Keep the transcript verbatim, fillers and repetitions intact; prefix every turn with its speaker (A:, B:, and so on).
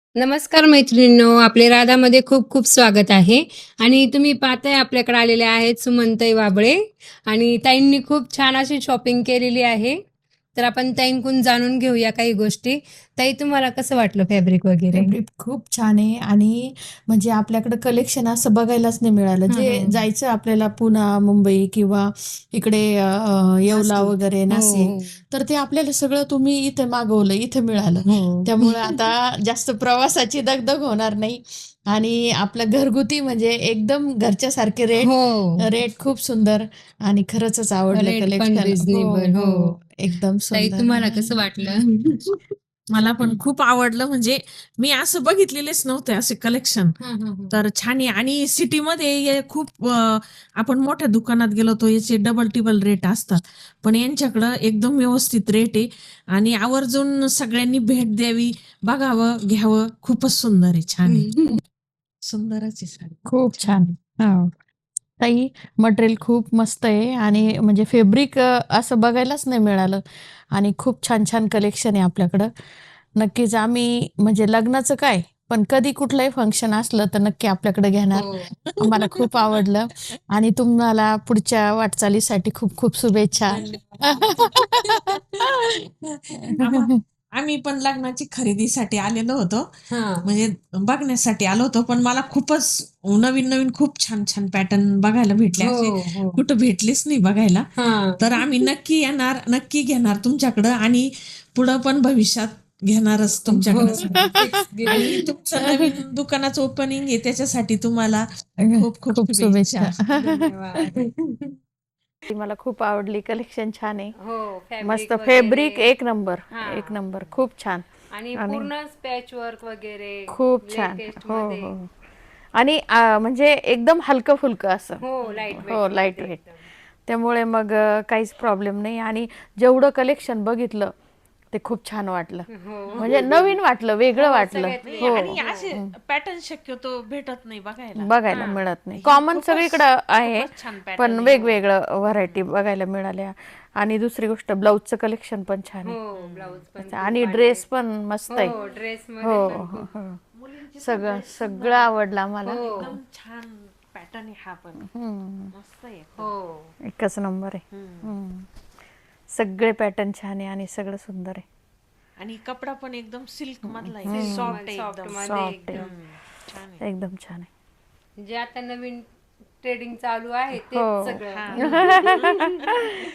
A: नमस्कार मैत्रिणींनो, आपले राधामध्ये खूप खूप स्वागत आहे. आणि तुम्ही पाहताय आपल्याकडे आलेले आहेत सुमनताई वाबळे आणि ताईंनी खूप छान अशी शॉपिंग केलेली आहे. तर आपण ताईंकडून जाणून घेऊया काही गोष्टी. ताई, तुम्हाला कसं वाटलं फॅब्रिक वगैरे?
B: फॅब्रिक खूप छान आहे आणि म्हणजे आपल्याकडे कलेक्शन असं बघायलाच नाही मिळालं.
A: हं,
B: जे
A: हं.
B: जायचं आपल्याला पुणा, मुंबई किंवा इकडे अ, अ, येवला
A: नाशिक.
B: वगैरे,
A: हो,
B: नाशिक,
A: हो.
B: तर ते आपल्याला सगळं तुम्ही इथे मागवलं, इथे मिळालं.
A: हो.
B: त्यामुळे आता जास्त प्रवासाची दगदग होणार नाही आणि आपलं घरगुती म्हणजे एकदम घरच्यासारखे रेट
A: हो.
B: रेट खूप सुंदर आणि खरंचच आवडलं
A: रेट पण
B: कलेक्शन. हो,
A: रिझनेबल. हो.
B: हो. एकदम
A: ताई,
B: सुंदर.
A: तुम्हाला कसं वाटलं?
C: मला पण खूप आवडलं. म्हणजे मी असं बघितलेलेच नव्हते असे कलेक्शन.
A: हं, हं, हं.
C: तर छान आहे आणि सिटीमध्ये हे खूप अ, आपण मोठ्या दुकानात गेलो तर याचे डबल टिबल रेट असतात. पण यांच्याकडं एकदम व्यवस्थित रेट आहे आणि आवर्जून सगळ्यांनी भेट द्यावी, बघावं, घ्यावं. खूपच सुंदर आहे, छान आहे. सुंदरच आहे साडी.
B: खूप
C: छान.
B: छान. हो. ताई, मटेरियल खूप मस्त आहे आणि म्हणजे फॅब्रिक अ, असं बघायलाच नाही मिळालं आणि खूप छान-छान कलेक्शन आहे आपल्याकडं. नक्कीच आम्ही म्हणजे लग्नाचं काय, पण कधी कुठलंही फंक्शन असलं तर नक्की आपल्याकडे घेणार.
A: हो.
B: आम्हाला खूप आवडलं आणि तुम्हाला पुढच्या वाटचालीसाठी खूप खूप शुभेच्छा.
C: आम्हा आम्ही पण लग्नाची खरेदीसाठी आलेलो होतो.
A: हां.
C: म्हणजे बघण्यासाठी आलो होतो. पण मला खूपच नवीन-नवीन खूप छान-छान पॅटर्न बघायला भेटले.
A: हो,
C: असे
A: हो.
C: कुठं भेटलेच नाही बघायला.
A: हां.
C: तर आम्ही नक्की येणार, नक्की घेणार तुमच्याकडं आणि पुढं पण भविष्यात घेणारच
A: हो.
C: तुमच्याकडं
A: नक्कीच
C: सगळं. आणि तुमचं नवीन दुकानाचं ओपनिंग आहे त्याच्यासाठी तुम्हाला खूप खूप
B: खूप
C: शुभेच्छा.
B: शुभेच्छा.
A: धन्यवाद.
B: ती मला खूप आवडली. कलेक्शन छान आहे.
A: हो,
B: मस्त
A: फॅब्रिक वगैरे.
B: फॅब्रिक एक नंबर, एक
A: हां.
B: नंबर. खूप छान
A: आणि
B: आणि
A: पूर्ण पॅचवर्क वगैरे
B: खूप छान. हो,
A: लेटेस्टमध्ये.
B: हो. आणि अ, म्हणजे एकदम हलकं-फुलकं असं.
A: हो, लाईट
B: हो, लाईट
A: वेटमध्ये
B: वेट.
A: एकदम.
B: त्यामुळे मग अ, काहीच प्रॉब्लेम नाही आणि जेवढं कलेक्शन बघितलं ते खूप छान वाटलं.
A: हो.
B: म्हणजे नवीन वाटलं, वेगळं
A: हो,
B: वाटलं.
A: सगळ्यात
C: नाही
B: हो,
A: वेगळं.
C: आणि असे
A: हो.
C: पॅटर्न शक्यतो भेटत नाही बघायला.
B: बघायला
A: हां.
B: मिळत नाही.
C: ही
B: कॉमन
C: खूपच
B: सगळीकडं आहे,
C: खूपच छान
B: पण
C: पॅटर्न आहे.
B: वेगवेगळं व्हरायटी बघायला मिळाल्या आणि दुसरी गोष्ट ब्लाऊजचं कलेक्शन पण छान
A: हो,
B: आहे.
A: ब्लाऊज पण
B: असं
A: खूप
B: आणि
A: आले.
B: ड्रेस पण मस्त आहे.
A: हो, ड्रेसमध्ये
B: हो,
A: पण
B: हो,
A: खूप.
B: हो.
C: मुलींची पण
B: सगळं
C: ड्रेस सुंदर
B: सगळं
C: आहे.
B: आवडलं आम्हाला.
A: हो.
C: एकदम छान पॅटर्न आहे हा पण.
B: हम्म.
C: मस्त आहे एकदम.
A: हो.
B: एकच नंबर आहे.
C: हम्म.
B: हम्म. सगळे पॅटर्न छान आहे आणि सगळं सुंदर आहे.
C: आणि कपडा पण एकदम सिल्क मधला आहे.
A: सिल्क
C: सॉफ्ट आहे एकदम.
A: सॉफ्टमध्ये
B: सॉफ्ट आहे.
A: एकदम.
C: हम्म. छान आहे.
B: एकदम छान आहे.
A: जे आता नवीन ट्रेडिंग चालू आहे तेच
B: हो.
A: सगळं.
C: हा.
A: हं.